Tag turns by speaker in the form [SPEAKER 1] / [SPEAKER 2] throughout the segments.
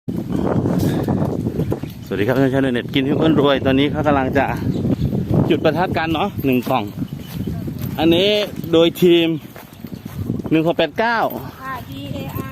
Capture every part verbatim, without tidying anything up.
[SPEAKER 1] สวัสดีครับท่านชาวเน็ตกินให้อ้วนรวยตอนนี้เขากำลังจะจุดประทัดกันเนาะหนึ่งกล่องอันนี้โดยทีมหนึ่งหกแปดเก้า
[SPEAKER 2] ค่ะ ดี เอ ไอ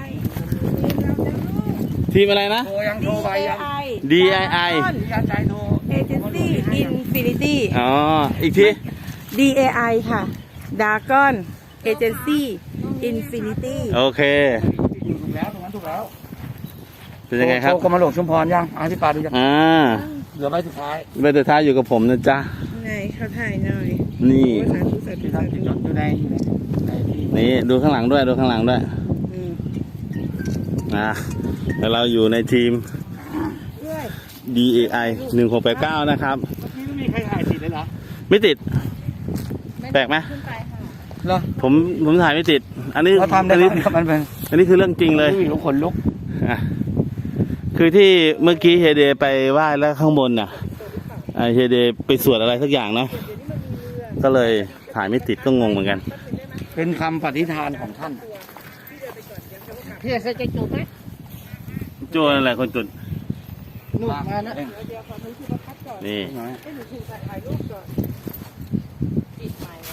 [SPEAKER 1] ทีมอะไรนะ
[SPEAKER 3] โทรยังโทรไปยัง
[SPEAKER 1] ดี ไอ ไอ
[SPEAKER 3] ยันใจโทร
[SPEAKER 2] Agency Infinity
[SPEAKER 1] อ๋ออีกที
[SPEAKER 2] ดี เอ ไอ ค่ะ Dragon Agency Infinity
[SPEAKER 1] โอเค
[SPEAKER 3] ถูกแล้วตรงนั้นถูกแล้ว
[SPEAKER 1] เป็นยังไงครับ
[SPEAKER 3] โทรกรมหลวงชุมพรยังอาพี่ปาดูยัง
[SPEAKER 1] อ่า
[SPEAKER 3] เหลือใบสุดท้าย
[SPEAKER 1] ใบสุดท้ายอยู่กับผมนะจ๊ะ
[SPEAKER 2] ไหนเขาถ่ายหน่อย
[SPEAKER 1] นี่
[SPEAKER 2] สาธุสาธุ
[SPEAKER 3] ที่
[SPEAKER 2] สา
[SPEAKER 3] ทำ
[SPEAKER 2] ธุ
[SPEAKER 3] ติดรถอยู่ในอยู่ในในที่
[SPEAKER 1] นี่ดูข้างหลังด้วยดูข้างหลังด้วย
[SPEAKER 2] อืม
[SPEAKER 1] อ่าแล้วเราอยู่ในทีม
[SPEAKER 2] ด้วย
[SPEAKER 1] ดี เอ ไอ หนึ่งหกแปดเก้านะครับ
[SPEAKER 3] นี่ไม่มีใครถ่ายติดเลยเหรอ
[SPEAKER 1] ไม่ติด แปลกไหม
[SPEAKER 2] ขึ้นไปค่ะ
[SPEAKER 3] เหรอ
[SPEAKER 1] ผมผมถ่ายไม่ติด อันนี้
[SPEAKER 3] เขาทำได้
[SPEAKER 1] อัน
[SPEAKER 3] ไหม
[SPEAKER 1] นี้
[SPEAKER 3] มันเป็น
[SPEAKER 1] อันนี้คือเรื่องจริงเลย
[SPEAKER 3] วิวลุกขนลุก
[SPEAKER 1] อ่ะคือที่เมื่อกี้เฮเดไปไหว้แล้วข้างบนน่ะอ่าเฮเดไปสวดอะไรสักอย่างเนาะก็เลยถ่ายไม่ติดก็งงเหมือนกัน
[SPEAKER 3] เป็นคำปฏิฐานของท่านพี่จะจะจุดไหม
[SPEAKER 1] โจ้นั่นแหละคนจุด
[SPEAKER 3] นู่นมานะ
[SPEAKER 2] เดี๋ยวขอดูที่ประทัดก่อน
[SPEAKER 1] นี่
[SPEAKER 2] ให้หนูถูกถ่ายรูปก่อนปิดไมค์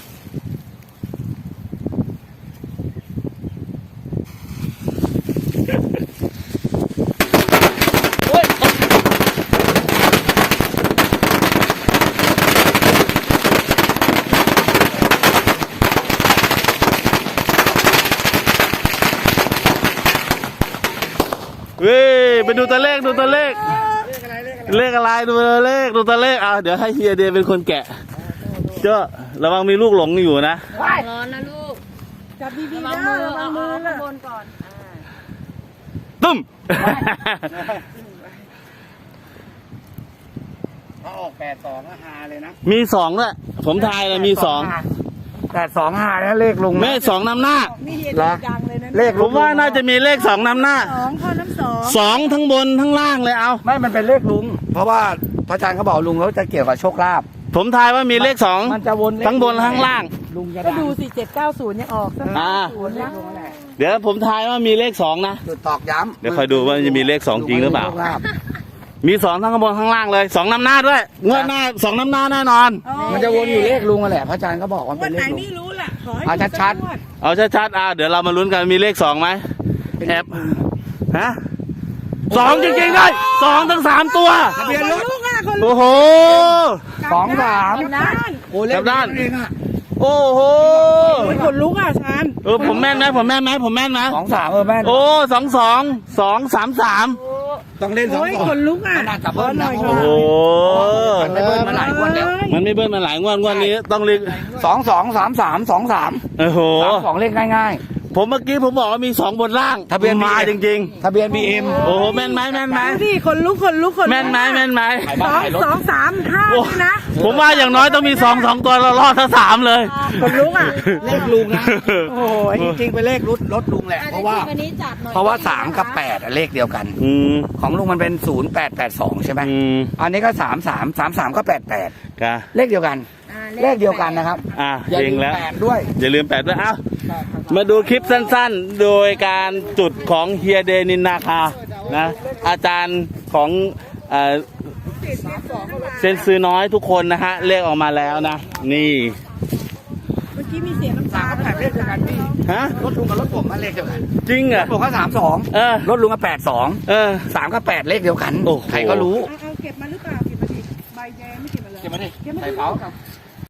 [SPEAKER 1] เว้ยไปดูตัวเลขดูตัวเลข เลขอะไรดูตัวเลขดูตัวเลขอ่ะเดี๋ยวให้เฮียเดย์เป็นคนแกะเจ้าระวังมีลูกหลงอยู่นะ
[SPEAKER 2] ร้อนนะลูก จับดีๆนะระวังมือข้างบนก่อน
[SPEAKER 1] ตุ้ม
[SPEAKER 3] ถ้าออกแปดสองก็ฮาเลยนะ
[SPEAKER 1] มีสองด้วยผมทายเลยมีสอง
[SPEAKER 3] แปดสองฮานะเลขลุง
[SPEAKER 1] แม่สองนำหน้า
[SPEAKER 2] นี่เห็น
[SPEAKER 3] เหรอ
[SPEAKER 2] ดังเลยนะ
[SPEAKER 3] เลข
[SPEAKER 1] ผมว่าน่าจะมีเลขสองนำหน้า
[SPEAKER 2] สองข้อน้ำสอง
[SPEAKER 1] สองทั้งบนทั้งล่างเลยเอา
[SPEAKER 3] ไม่มันเป็นเลขลุง เพราะว่าพระอาจารย์เขาบอกลุงแล้วจะเกี่ยวกับโชคลาภ
[SPEAKER 1] ผมทายว่ามีเลขสอง
[SPEAKER 3] มันจะวนเลข
[SPEAKER 1] ทั้งบนทั้งล่าง
[SPEAKER 3] ลุงจะ
[SPEAKER 2] ก็
[SPEAKER 3] ดัง
[SPEAKER 2] ดูสิเจ็ดเก้าศูนย์ยังออกสัก
[SPEAKER 1] อ่า
[SPEAKER 2] ศูนย์นะ
[SPEAKER 3] ลุงนั่นแหละ
[SPEAKER 1] เดี๋ยวผมทายว่ามีเลขสองนะ
[SPEAKER 3] จุดตอกย้ำ
[SPEAKER 1] เดี๋ยวคอยดูว่าจะมีเลขสองจริงหรือเปล่า
[SPEAKER 3] โชคลภ
[SPEAKER 1] มีสองทั้งข้างบนข้างล่างเลยสองนำหน้าด้วยงวดหน้าสองนำหน้าแน่นอน
[SPEAKER 3] มันจะวนอยู่เลขลุงนั่นแหละพระอาจารย์ก็บอกว่า
[SPEAKER 2] วั
[SPEAKER 3] เป็น น
[SPEAKER 2] ไห
[SPEAKER 3] เล
[SPEAKER 2] น
[SPEAKER 3] ขลุง
[SPEAKER 2] ไม่รู้ล่ะขอให้
[SPEAKER 3] เอา
[SPEAKER 2] ดู
[SPEAKER 3] ชัด
[SPEAKER 2] สักงว
[SPEAKER 1] เอาชัดๆอ่ะเดี๋ยวเรามาลุ้นกันมีเลขสองไหมแอบฮะสองจริงๆด้วยสองทั้งสามตัว
[SPEAKER 3] ทะเบียนรถ
[SPEAKER 2] ลูกอ่ะคนลู
[SPEAKER 1] โอ้
[SPEAKER 2] ก
[SPEAKER 1] โห
[SPEAKER 3] สองสาม
[SPEAKER 2] นะ
[SPEAKER 3] โอ้เลข
[SPEAKER 1] กลับด้าน
[SPEAKER 3] เองอะ
[SPEAKER 1] โอ้โห
[SPEAKER 2] คนลุกอ่ะชาน
[SPEAKER 1] เออผมแม่นไหมผมแม่นไหมผมแม่นไหม
[SPEAKER 3] สองสามเออแม่น
[SPEAKER 1] โอ้สองสองสองสามสาม
[SPEAKER 3] ต้องเล่นสอง
[SPEAKER 2] โอ้ย
[SPEAKER 3] สอง
[SPEAKER 2] คนลุกอ่ะ
[SPEAKER 3] มันอาจจะเบิ้ลนะ
[SPEAKER 1] โอ้โห
[SPEAKER 3] มันไม่เบิ้ลมาหลายงวดแล้ว
[SPEAKER 1] มันไม่เบิ้ลมาหลายงวดงวดนี้ต้องเรียก
[SPEAKER 3] สองสองสามสามสองสาม
[SPEAKER 1] โอ้โห
[SPEAKER 3] สามสองเลขง่าย
[SPEAKER 1] ผมเมื่อกี้ผมบอกว่ามีสองบนล่าง
[SPEAKER 3] ทะเบียน
[SPEAKER 1] มา
[SPEAKER 3] บีเอ็ม
[SPEAKER 1] จริง
[SPEAKER 3] ๆทะเบียนบีเอ็ม
[SPEAKER 1] ๆ โอ้โหแม่นไหมแม่นไหม
[SPEAKER 2] ดูดิคนลุกคนลุกคนลุก
[SPEAKER 1] แม่นไหมแม่นไหม
[SPEAKER 2] สองสองสามห้า
[SPEAKER 1] โอ้
[SPEAKER 2] นี่นะ
[SPEAKER 1] ผมว่าอย่างน้อยต้องมีสองสองตัวเรารอดทั้งสามเลย
[SPEAKER 2] คนลุกอ่ะ
[SPEAKER 3] เลขลุงนะโอ้ยจริงๆเป็นเลขรถรถลุงแหละเพราะว่า
[SPEAKER 2] อันนี้จับหน่อย
[SPEAKER 3] เพราะว่าสามกับแปดอะเลขเดียวกัน
[SPEAKER 1] อืม
[SPEAKER 3] ของลุงมันเป็นศูนย์แปดแปดสองใช่ไหม
[SPEAKER 1] อืม
[SPEAKER 3] อันนี้ก็สามสามสามสามก็แปดแปด
[SPEAKER 1] กะ
[SPEAKER 3] เลขเดียวกัน
[SPEAKER 2] อ่า
[SPEAKER 3] เลขเดียวกันนะครับ
[SPEAKER 1] อ่ะ
[SPEAKER 3] อย่า
[SPEAKER 1] เอ
[SPEAKER 3] ลื
[SPEAKER 1] ง
[SPEAKER 3] ม
[SPEAKER 1] แล้ว
[SPEAKER 3] แปดด้วย
[SPEAKER 1] อย่าลืมแปดด้วยเอ้ามาดูคลิปสั้นๆ โดยการจุดของเฮียเดนินนาคานะอาจารย์ของเอ่อเซนซือน้อยทุกคนนะฮะเลขออกมาแล้วนะ นี่
[SPEAKER 2] เมื่อกี้มีเสียงน้ำตา
[SPEAKER 3] สามกับแปดเลขเดียวกันพี่
[SPEAKER 1] ฮะ
[SPEAKER 3] รถลุงกับรถผมมันเลขเดียวกัน
[SPEAKER 1] จริงเหรอ
[SPEAKER 3] ผมก็สามสอง
[SPEAKER 1] เออ
[SPEAKER 3] รถลุงก็แปดสอง
[SPEAKER 1] เออ
[SPEAKER 3] สามกับแปดเลขเดียวกัน
[SPEAKER 1] โอ้โห
[SPEAKER 3] ใครก็รู้
[SPEAKER 2] เอาเอาเก็บมาหรือเปล่าเก็บมาดิใบแดงไม่เก็บมาเลย
[SPEAKER 3] เก็บมาดิ
[SPEAKER 2] เก็บมา
[SPEAKER 3] ใส่
[SPEAKER 2] ดิ
[SPEAKER 3] เป๋า